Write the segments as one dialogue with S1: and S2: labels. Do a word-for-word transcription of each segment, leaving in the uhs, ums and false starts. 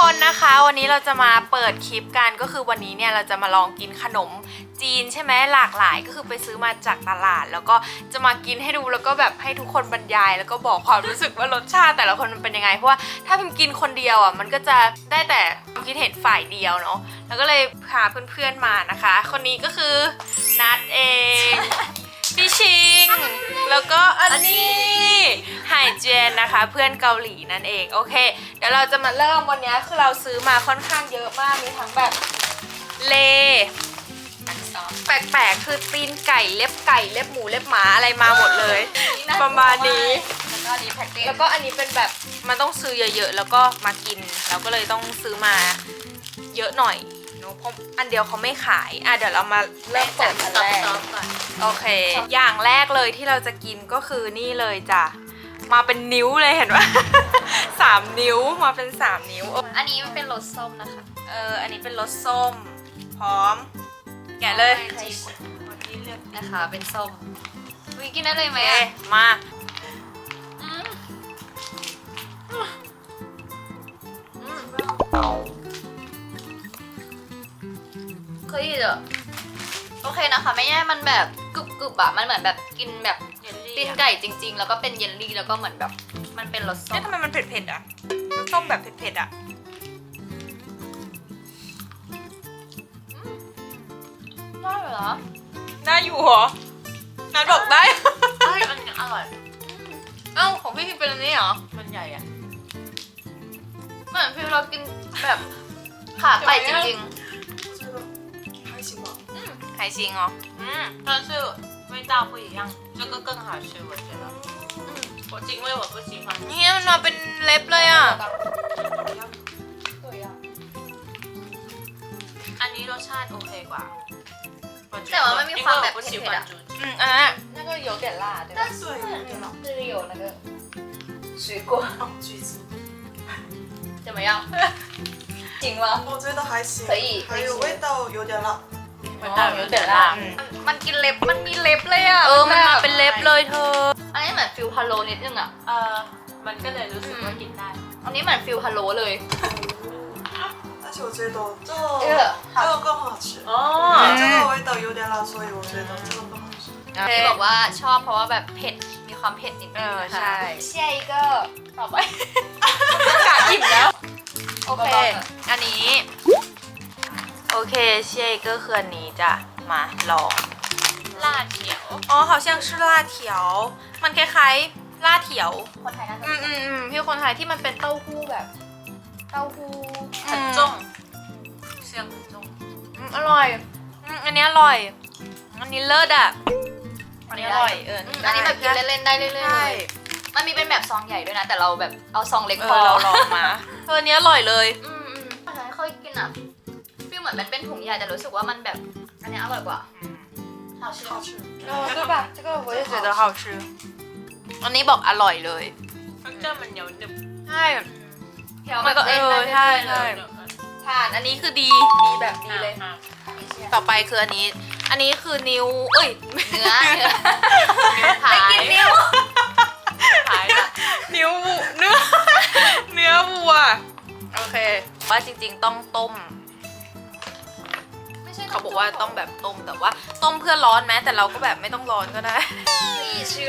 S1: คนนะคะวันนี้เราจะมาเปิดคลิปกันก็คือวันนี้เนี่ยเราจะมาลองกินขนมจีนใช่ไหมหลากหลายก็คือไปซื้อมาจากตลาดแล้วก็จะมากินให้ดูแล้วก็แบบให้ทุกคนบรรยายแล้วก็บอกความรู้สึกว่ารสชาติแต่ละคนมันเป็นยังไงเพราะว่าถ้าพิมกินคนเดียวอ่ะมันก็จะได้แต่ความคิดเห็นฝ่ายเดียวเนาะแล้วก็เลยพาเพื่อนๆมานะคะคนนี้ก็คือนัดเองพี่ชิงแล้วก็อันนี้ไห่เจนนะคะเพื่อนเกาหลีนั่นเองโอเคเดี๋ยวเราจะมาเริ่มวันนี้คือเราซื้อมาค่อนข้างเยอะมากมีทั้งแบบเลแปลกๆคือตีนไก่เล็บไก่เล็บหมูเล็บหมาอะไรมาหมดเลยประมาณนี้แล้วก็อันนี้แพ็กเกจแล้วก็อันนี้เป็นแบบมันต้องซื้อเยอะๆแล้วก็มากินเราก็เลยต้องซื้อมาเยอะหน่อยเนอะเพราะอันเดียวเขาไม่ขายอ่ะเดี๋ยวเรามาเริ่มจากอันแรกโอเคอย่างแรกเลยที่เราจะกินก็คือนี่เลยจ้ะมาเป็นนิ้วเลยเห็นไหม สามนิ้วมาเป็นสามนิ้ว
S2: อันนี้มันเป็นรสส้มนะคะ
S1: เอออันนี้เป็นรสส้มพร้อมแกะเลย
S2: นะคะเป็นส้มวิกินได้เลยไหมอ่ะ
S1: มา
S2: เคยเหรอโอเคนะคะไม่แย่มันแบบกรุบกรุบอะมันเหมือนแบบกินแบบตีนไก่จริงๆแล้วก็เป็นเยลลี่แล้วก็เหมือนแบบมันเป็นรสส้ม
S1: เนี่ยทำไมมันเผ็ดๆอ่ะรสส้มแบบเผ็ดๆอ่ะ
S2: ได้เหรอ
S1: ได้อยู่เหรอนัดบอกได้
S2: ใช่อันนี้อร่อย
S1: เอ้าของพี่พิมเป็นอันนี้เหรอ
S2: มันใหญ่อะเหมือนพี่เรากินแบบขาไก่จริงๆ
S1: 还行哦，
S3: 嗯，但是味道不一样，这个更好吃，我觉得。嗯，我因为我不喜欢。
S1: เนี่ยมันมาเป็นเล็บเลยอ่ะ
S3: อันนี้รสชาติโอเคกว่า
S2: แต่ว่ามันมีความแบบเผ็ดๆอ่ะ
S1: อืมอันนั้น
S2: 那个有点辣对吧但是是有那个水果
S4: 橘子
S2: 怎么样行吗
S4: 我觉得还行
S2: 可以
S4: 还有味道有点辣
S3: มันต่างกันแต่ละ
S2: มันกินเล็บมันมีเล็บเลยอ่ะ
S1: เออมันมาเป็นเล็บเลยเธอ
S2: อันนี้เหมือนฟิลพะโล้นิดนึงอ่ะ
S3: เออมันก็เลยรู้สึกว่ากินได้
S2: อันนี้เหมือนฟิลพะโล้เลย
S4: 但是我觉得这
S2: 这个
S4: 这个更好吃
S3: 哦
S4: 这个味道有点辣所以我觉得这个更好吃
S2: ที่บอกว่าชอบเพราะว่าแบบเผ็ดมีความเผ็ดนิดนึง
S1: นะคะใช่
S2: เชียร์อีกก็ต่อไป
S1: กะอิ่มแล้วโอเคอันนี้โอเคเชียร์ก็คืออันนี้จ้ะมาลอง
S3: 辣条
S1: อ๋อ好像是辣条มันคล้ายๆล่าเถียว
S2: คนไทยน่าจะ
S1: อืมอืมอืมพี่คนไทยที่มันเป็นเต้าหู้แบบเต้าหู้
S3: 很重เสียง很重
S1: อืมอร่อยอืมอันนี้อร่อยอันนี้เลิศอ่ะอันนี้อร่อยเออ
S2: อันนี้แบบกินเล่นๆได้เรื่อยๆเลยมันมีเป็นแบบซองใหญ่ด้วยนะแต่เราแบบเอาซองเล็กพอ
S1: เราลองมาเออเนี้ยอร่อยเลย
S2: อืมอืมเคยกินอ่ะฟีลเหมือนมันเป็นถุงใหญ่แต่รู้สึกว่ามันแบบอันนี้อร่อยกว่า好吃好吃
S1: 哦对吧这个我也觉得好吃อันนี้บอกอร่อยเลย
S3: มันจะมันเหนียวหนึบ
S1: ใช่
S2: มันก็เออ
S1: ใช่ใช่ทานอันนี้คือดีดีแบบดีเลยต่อไปคืออันนี้อันนี้คือนิ้วเอ้ย
S2: เนื้อเนื้อไม่กินนิ้ว
S1: ขายอะนิ้วเนื้อเนื้อวัวโอเคว่าจริงๆต้องต้มไม่ใช่เขาบอกว่าต้องแบบต้มแต่ว่าต้มเพื่อร้อนแม้แต่เราก็แบบไม่ต้องร้อนก็ได้
S2: ชื่อ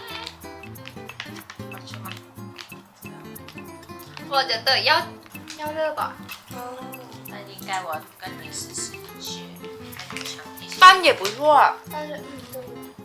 S2: 我觉得要要热吧
S3: 那应该我跟你试试学跟你尝一下
S1: 拌也不错
S2: 但是嗯对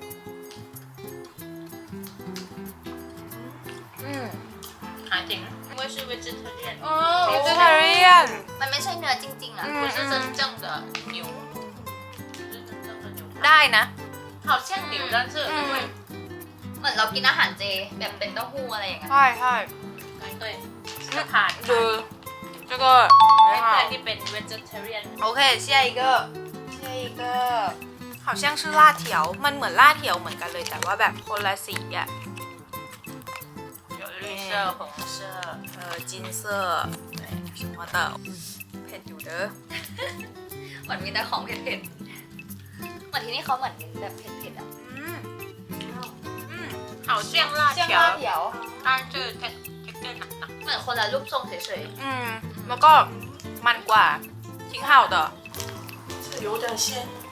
S1: 嗯
S3: 还挺因为是 vegetarian
S1: 哦 vegetarian
S2: มันไม่ใช่เนื้อจริงๆอ่ะ
S3: 不是真正的牛不是真正的牛
S1: ได้นะ
S3: 好像牛但是因为
S2: เหมือนเรากินอาหารเจแบบเป็นเต้าหู้อะไรอย่างเงี้ย
S1: ใช่ใช่
S3: 对ผ่าน
S1: คือ这个
S3: ไม่ใช่ที่เป็น vegetarian
S1: โอเค下一个下一个好像是辣条มันเหมือน辣条เหมือนกันเลยแต่ว่าแบบคนละสีอ่ะ
S3: 有绿色红色
S1: 呃金色对什么的เผ็ดอยู่เด้อ
S2: มันมีแต่ของเผ็ดๆเหมือนที่นี่เขาเหมือนแบบเผ็ดๆอ่ะ
S1: อืม
S3: 好像辣条
S2: 像辣条
S3: 但是它它更หนักๆ
S2: มือนคนละรูปทรงเฉย
S1: อืมแล้วก็มันกว่าทิ้งเห่าต่อ
S4: 这有点咸，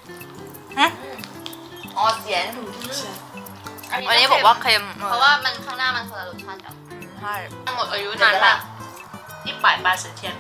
S2: ๆอ๋อเสียน
S4: 嗯，咸。
S1: วันนี้บอกว่าเค็ม
S2: เพราะว่ามันข้างหน้ามันคนละรสชาติกัน
S1: ใช่
S3: หมดอายุนานละ一百八十天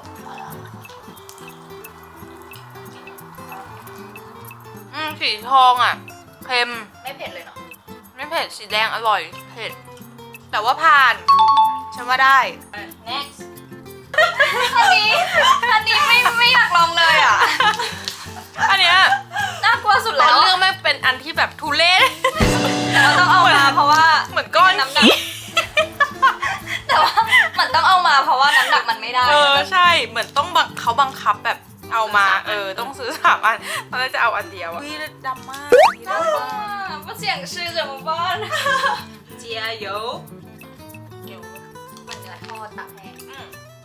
S1: อืมสีทองอ่ะเค็ม
S2: ไม่เผ็ดเลยเนาะ
S1: ไม่เผ็ดสีแดงอร่อยเผ็ดแต่ว่าผ่านฉันว่าได้
S2: next อันนี้อันนี้ไม่ไม่อยากลองเลยอ่ะ
S1: อันเนี้ย
S2: น่ากลัวสุด
S1: ตอ
S2: แล้
S1: น
S2: ว
S1: เรื่องไม่เป็นอันที่แบบทุเรศ
S2: เราต้องเอามาเพราะว่า
S1: เหมือนก้อน
S2: น้ำหนัก
S1: ขี้
S2: แต่ว่ามันต้องเอามาเพราะว่าน้ำหนักมันไม่ได้
S1: เออใช่เหมือนต้องบังเขาบังคับแบบเอามาเออต้องซื้อสามอันตอนแรกจะเอาอันเดียวอะวิดำมากอันนี้ดำมาก
S2: ว่าเสียงชื่อจะมาบ้าน
S3: 加油有
S2: มันเนื้อทอดตักแห้ง
S3: 嗯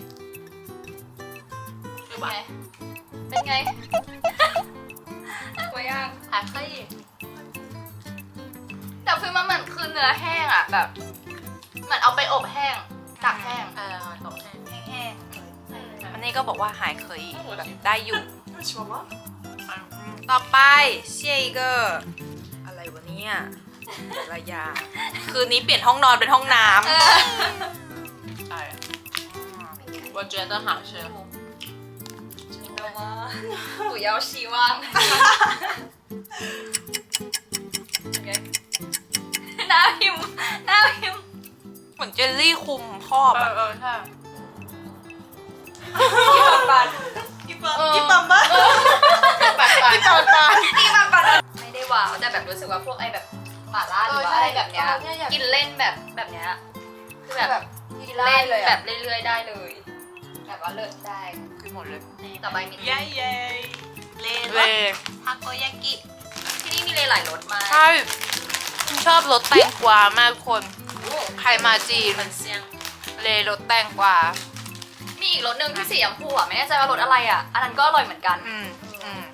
S3: 是
S2: เป็น
S3: 吧
S2: ไงเป็นไงกลัวย่าง
S3: 还可以
S2: แต่คือมันเหมือนคือเนื้อแห้งอ่ะแบบเหมือนเอาไปอบแห้งตักแห้ง
S3: 呃懂了
S2: แห้ง
S1: อันนี้ก็บอกว่าหายเคยแบบได้อยู่
S4: 那喜欢吗？
S1: ต่อไปเชียอีกเกอร์อะไรวะเนี่ยอะไรยาคืนนี้เปลี่ยนห้องนอนเป็นห้องน้
S2: ๆเออ
S3: 哎我觉得好吃
S2: 不要希望หน้าพิมพ์หน้าพิมพ์
S1: ำเหมือนเจลลี่คุมครอบ
S3: 呃
S1: อะ
S3: 呃看
S2: ที่บางปัน
S4: 一般一般般。
S3: 拜拜
S2: ที่บางปันไม่ได้ว้าวแต่แบบรู้สึกว่าพวกไอ้แบบหม่าล่าหรือว่าอะไรแบบเนี้ยกินเล่นแบบแบบเนี้ยคือแบบกินเล่นแบบเรื่อยๆได้เลย แบบว่าเลิศได้
S1: คือหมดเลย
S2: ต่อไปมี
S3: 耶耶เล
S1: เล
S3: ทาโกยากิ
S2: ที่นี่มีเลยหลายรสมาก
S1: ใช่ชอบรสแตงกวามากคนใครมาจีน
S3: 很香
S1: เลรสแตงกวา
S2: มีอีกรสหนึ่งที่สีชมพูอ่ะไม่แน่ใจว่ารสอะไรอ่ะ อันนั้นก็อร่อยเหมือนกัน
S1: อืมอืม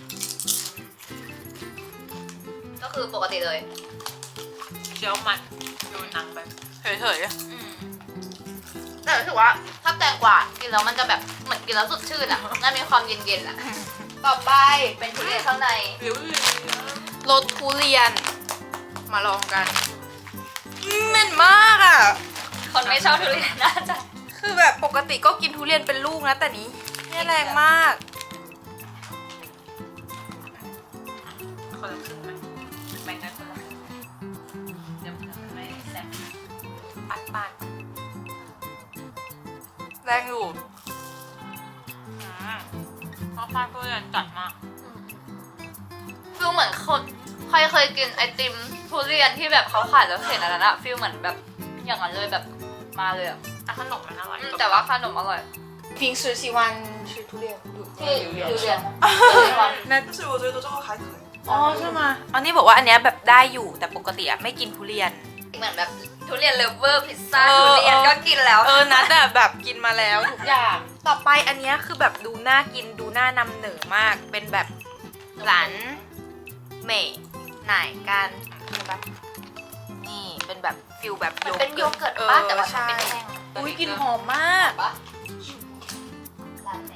S2: ก็คือปกติเลย
S3: เคี้ยวมันดูหนังไป
S1: เฉย
S2: อืมแต่รู้สึกว่าถ้าแตงกวากินแล้วมันจะแบบเหมือนกินแล้วสดชื่นอ่ะมันมีความเย็นๆอ่ะ ต่อไปเป็นทุเรียนข้างใน
S3: หรือ
S1: ๆรสทุเรียน มาลองกันอืมเหม็นมากอ่ะ
S2: คนไม่ชอบทุเรียนน่าจะ
S1: คือแบบปกติก็กินทุเรียนเป็นลูกนะแต่นี้เนี่ยแรงมาก
S3: คนละครึ่งไหมแบ่งกันคนละครึ่งเดี๋ยวมันไม่แซ่บ
S1: ปัดปัดแรงอยู่
S3: อืมเพราะข้าวทุเรียนจัดมาก
S2: ฟิลเหมือนคนใครเคยกินไอติมทุเรียนที่แบบเขาขายแล้วเห็นอันนั้นอะฟิลเหมือนแบบอย่างนั้นเลยแบบมาเลยอะ
S3: แต่ขนมมันอร่อย
S2: อืมแต่ว่าขนมอร่อย
S1: 平时喜欢吃ทุเรียน
S2: ที่ทุเรียน
S1: 那
S4: 但是我觉得这个还可以。
S1: อ๋อใช่ไหมอันนี้บอกว่าอันเนี้ยแบบได้อยู่แต่ปกติอะไม่กินทุเรียน
S2: เหมือนแบบทุเรียนเลฟเวอร์พิซซ่า
S1: เออ
S2: ทุเรียนก็กินแล้ว
S1: เออนะแต่แบบกินมาแล้วทุกอย่าง ต่อไปอันเนี้ยคือแบบดูน่ากินดูน่านำเหนือมาก เป็นแบบหลานเหม่ไหนกันใช่ปะนี่เป็นแบบฟิลแบบ
S2: มันเป็นโยเกิร์ตป้าแต่ว่า
S1: ใช่
S2: มันเป็นแห้ง
S1: อุ้ยกลินหอมมาก
S2: ปะร้านไหน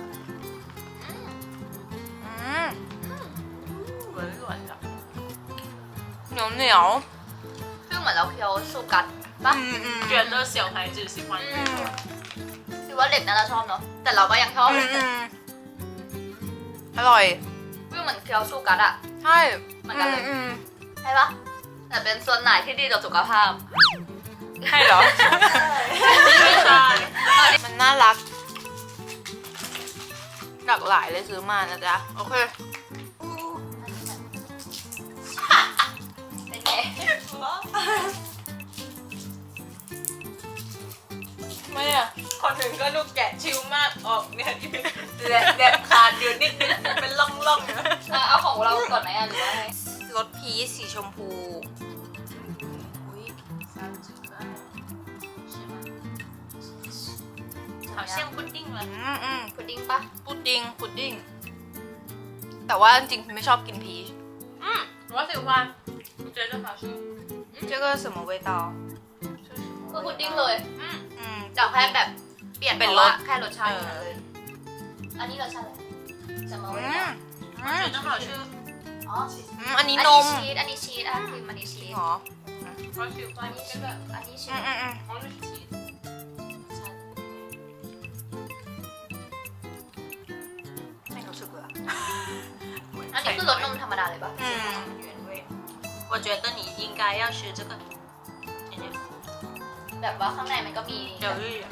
S1: อืม
S3: หวานหวานๆจ้ะ
S1: เหนียวเหนียว
S2: ฟิลเหมือนเราเคี้ยวสุกัดปะ
S1: อืมอืม
S3: 觉得小孩子喜欢这个
S2: คือว่าเด็กน่าจะชอบเนาะแต่เราก็ยังชอบ
S1: อื
S2: เล
S1: ม
S2: ย
S1: อืมอร่อย
S2: ฟิลเหมือนเคี้ยวสุกัดอะ
S1: ใช่
S2: เหมือนกันเลย
S1: อืม
S2: ใช่ปะแต่เป็นส่วนไหนที่ดีต่อสุขภาพ
S1: ใช่เหรอ
S3: ไม่ใช่
S1: มันน่ารัก หลากหลายเลยซื้อมานะจ๊ะ โอเค
S2: เป็นไง
S3: ไม่อะคนหนึ่งก็ลูกแกะชิวมากออกเนี่ยที่เป็นแหลกแหลกขาดอยู่นิดนึงเป็นล่องๆนะ
S2: อ่ะเอาของเราก่อนไหมอ่ะหรือว่าไง
S1: รสพีชสีชมพูอุ๊ย
S3: 好像不定了
S1: อืมอืม
S2: พุดดิ้งปะ
S1: พุดดิ้งพุดดิ้ง แต่ว่าจริงๆไม่ชอบกินพีช
S3: 嗯我喜欢我觉得好吃
S1: 这个什么味道
S2: คือพุดดิ้งเลย
S3: 嗯
S1: อือืม
S2: จากแค่แบบเปลี่ยน
S1: เป็น
S2: เพราะ
S1: ร
S2: ว่า
S1: ส
S2: แค่รสชาติ
S1: เออ
S2: เท่านั้นเลยอันนี้รสชาติอะไรจะมา
S1: อื
S2: ไว้
S1: ม
S2: ก่อน
S1: อืม
S3: 觉得好吃。
S2: อ๋อ
S1: อืมอันนี้
S2: อัน
S1: น
S2: นี้
S1: ม
S2: ชีสอันนี้ชีสอ่ะคืออันนี้ชีส
S1: หรอ
S3: 我喜
S2: อั
S3: 欢
S2: นนี้
S3: 这
S2: ชีส
S3: 个，
S2: อันนี้ชี
S1: อื
S2: ส
S1: มอืมอืม
S3: 我是 cheese。
S1: ไม่รู้สึกเลยอะ
S2: อันนี้คือรสนมธรรมดาเลยปะ
S1: อืม
S3: 原味。我觉得你应该要吃这个，甜甜
S2: แบบว่าข้างในมันก็มี
S3: 有绿的。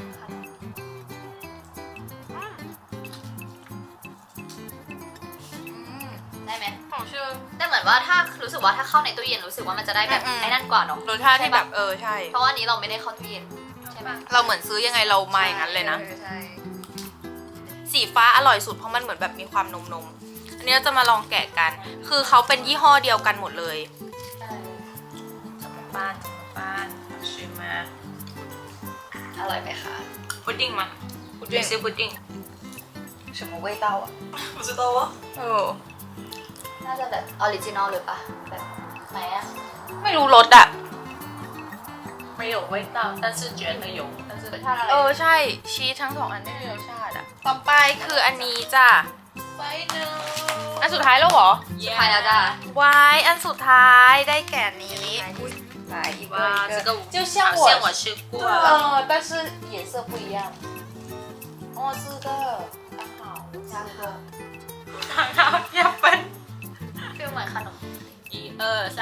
S2: ได้ไหม
S1: 好吃
S2: แต่เหมือนว่าถ้ารู้สึกว่าถ้าเข้าในตู้เย็นรู้สึกว่ามันจะได้แบบ
S1: อืม
S2: ไอ้นั่นกว่าเนาะ
S1: รสชาติที่แบบเออใช่
S2: เพราะว่าอันนี้เราไม่ได้เข้าตู้เย็นใช่ไหม
S1: เราเหมือนซื้อยังไงเรามาอย่างนั้นเลยนะ
S2: ออใช่
S1: สีฟ้าอร่อยสุดเพราะมันเหมือนแบบมีความนมนมๆอันนี้เราจะมาลองแกะกัน คือเขาเป็นยี่ห้อเดียวกันหมดเลย
S2: ใช่
S3: 怎么办？怎么办？好吃吗？
S2: อร่อยไหมคะ
S3: 布丁吗？
S1: 布丁
S3: 也是布丁。
S2: 什么味道啊
S4: 不知道啊。
S1: เออ
S2: น่าจะแบบออริจินอลหรือปะแบบไหนอะ
S1: ไม่รู้รสอ่ะ
S3: 没有味道，但是觉得有，但是
S2: รสชาติอะไร
S1: เออใช่ ชีสทั้งสองอันไม่มีรสชาติอ่ะ ต่อไปคืออันนี้จ้ะ
S3: final。
S1: อันสุดท้ายแล้วเหรอ
S2: สุดท้ายแล้วจ้ะ
S1: วายอันสุดท้ายได้แก่นี้
S2: 来一个
S3: 哇，这个
S1: 就像
S3: 好
S1: 我
S3: 像我吃过了。
S1: 呃，但是颜色不一样。哦，这个刚好三个。
S3: 刚好要分。
S2: ฟีลเหมือนขนม
S3: 一二三。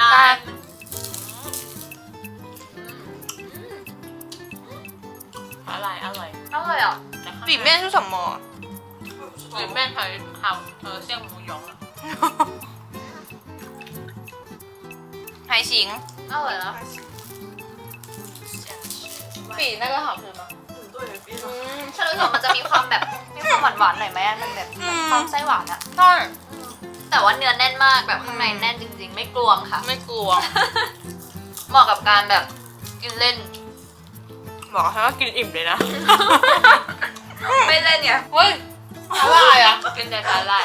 S3: อร่อยอร่อย
S2: อร่อยอ่ะ
S1: 里面是什么？
S4: 我也不知道
S3: 里面还好呃像母蛹啊。
S1: 还行，
S2: อร่อยนะ
S4: 还行。
S1: 比那个好吃吗？
S4: 嗯，对，比那
S2: ฉันรู้สึกว่ามันจะมีความแบบมีความหวานหวานๆหน่อยไหมมันแบบ
S1: อืม
S2: ความไส้หวานอะ
S1: ใช่
S2: แต่ว่าเนื้อแน่นมากแบบข้างในแน่นจริง ๆ ไม่กลวงค่ะ
S1: ไม่กลัว
S2: เหมาะกับการแบบกินเล่น
S1: บอกให้ว่ากินอิ่มเลยนะ
S2: ไม่เล่นเนี่ย
S1: เฮ้ยอะไรอ่ะ
S3: 跟着它来。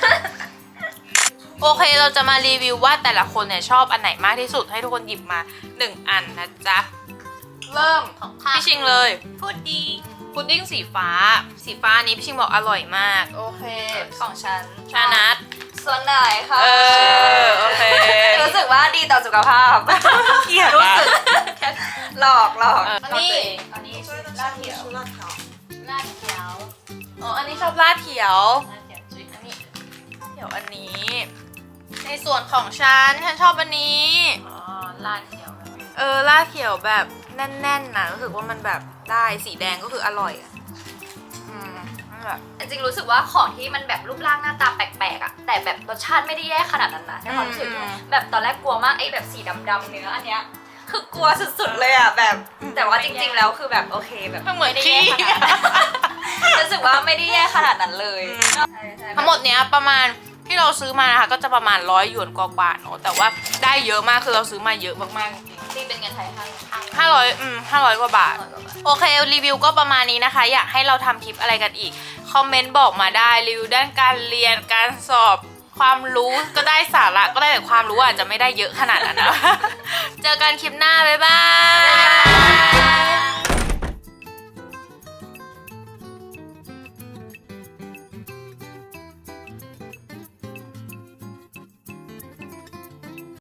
S1: โอเคเราจะมารีวิวว่าแต่ละคนเนี่ยชอบอันไหนมากที่สุดให้ทุกคนหยิบมาหนึ่งอันนะจ๊ะ เริ่ม
S2: ของข้า
S1: พี่ชิงเลย
S2: พุดดิ้ง
S1: พุดดิ้งสีฟ้า สีฟ้านี้พี่ชิงบอกอร่อยมาก โอเค
S2: ของฉัน
S1: ชานัท
S2: ส่วนไหนคะ
S1: เออโอเค
S2: รู้สึกว่าดีต่อสุขภาพ
S1: เกลียด
S2: รู้
S1: อะ
S2: สึกหลอกหลอก
S1: เอออั
S2: อันนี้อันนี้
S4: 所以那
S2: ลา
S4: 下
S2: ด
S4: 面
S2: เขียว
S4: 是辣条。
S2: ลาดเขียว
S1: อ๋ออันนี้ชอบลาดเขียว
S2: ลาดเขียวจุ๊ยอันนี้
S1: เขียวอันนี้ ในส่วนของฉันฉันชอบอันนี้
S3: 哦，辣条那边。
S1: เออลาดเขียวแบบแน่นๆนะรู้สึกว่ามันแบบได้สีแดงก็คืออร่อยอะอืมมันแบบ
S2: จริงๆรู้สึกว่าของที่มันแบบรูปร่างหน้าตาแปลกๆอะแต่แบบรสชาติไม่ได้แย่ขนาดนั้นนะในความรู้สึก
S1: อืม
S2: แบบตอนแรกกลัวมากไอ้แบบสีดำๆเนื้ออันเนี้ยคือกลัวสุดๆเลยอะแบบ แต่ว่าจริงๆแล้วคือแบบโอเคแบบ
S1: มันเหมือน
S2: ไม่ได้
S1: ขี้
S2: แย่ขนาดนั้นรู้สึกว่าไม่ได้แย่ขนาดนั้นเลย
S1: อืม
S2: ใช่ใช่
S1: ทั้งหมดเนี้ยประมาณที่เราซื้อมานะคะก็จะประมาณร้อยหยวนกว่าๆเนอะแต่ว่าได้เยอะมากคือเราซื้อมาเยอะมากๆจริง
S2: ตีเป็นเงินไทยห้า
S1: ๆห้าร้อยอืมห้าร้อยกว่าบาท
S2: ร้อยกว่าบาท
S1: โอเครีวิวก็ประมาณนี้นะคะ อยากให้เราทำคลิปอะไรกันอีก คอมเมนต์บอกมาได้รีวิวด้านการเรียนการสอบความรู้ก็ได้สาระก็ได้แต่ความรู้อาจจะไม่ได้เยอะขนาดนั้นนะ เจอกันคลิปหน้า บ๊ายบาย